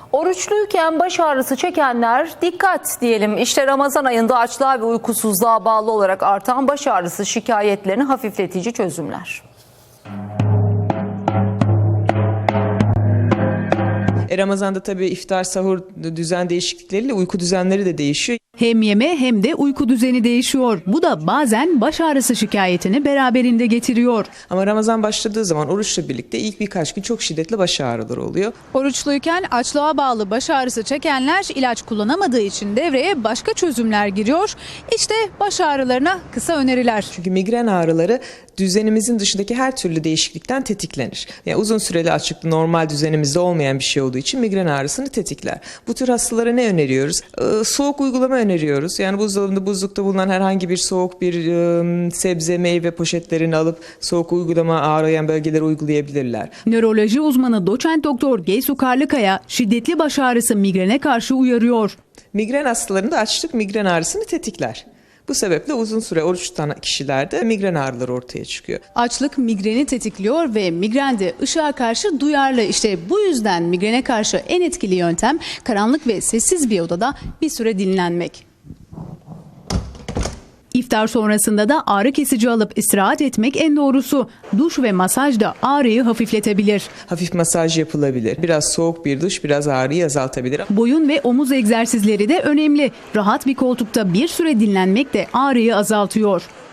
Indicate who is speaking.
Speaker 1: Oruçluyken baş ağrısı çekenler dikkat diyelim. İşte Ramazan ayında açlığa ve uykusuzluğa bağlı olarak artan baş ağrısı şikayetlerini hafifletici çözümler.
Speaker 2: Ramazan'da tabii iftar, sahur düzen değişiklikleriyle uyku düzenleri de değişiyor.
Speaker 3: Hem yeme hem de uyku düzeni değişiyor. Bu da bazen baş ağrısı şikayetini beraberinde getiriyor.
Speaker 2: Ama Ramazan başladığı zaman oruçla birlikte ilk birkaç gün çok şiddetli baş ağrıları oluyor.
Speaker 3: Oruçluyken açlığa bağlı baş ağrısı çekenler ilaç kullanamadığı için devreye başka çözümler giriyor. İşte baş ağrılarına kısa öneriler.
Speaker 2: Çünkü migren ağrıları düzenimizin dışındaki her türlü değişiklikten tetiklenir. Yani uzun süreli açlıklı normal düzenimizde olmayan bir şey olduğu için migren ağrısını tetikler. Bu tür hastalara ne öneriyoruz? Soğuk uygulama öneriyoruz. Yani buzdolabında, buzlukta bulunan herhangi bir soğuk bir sebze, meyve poşetlerini alıp soğuk uygulama ağrıyan bölgelere uygulayabilirler.
Speaker 3: Nöroloji uzmanı doçent doktor Geysu Karlıkaya şiddetli baş ağrısı migrene karşı uyarıyor.
Speaker 2: Migren hastalarında açlık migren ağrısını tetikler. Bu sebeple uzun süre oruç tutan kişilerde migren ağrıları ortaya çıkıyor.
Speaker 3: Açlık migreni tetikliyor ve migrende ışığa karşı duyarlı. İşte bu yüzden migrene karşı en etkili yöntem karanlık ve sessiz bir odada bir süre dinlenmek. İftar sonrasında da ağrı kesici alıp istirahat etmek en doğrusu. Duş ve masaj da ağrıyı hafifletebilir.
Speaker 2: Hafif masaj yapılabilir. Biraz soğuk bir duş biraz ağrıyı azaltabilir.
Speaker 3: Boyun ve omuz egzersizleri de önemli. Rahat bir koltukta bir süre dinlenmek de ağrıyı azaltıyor.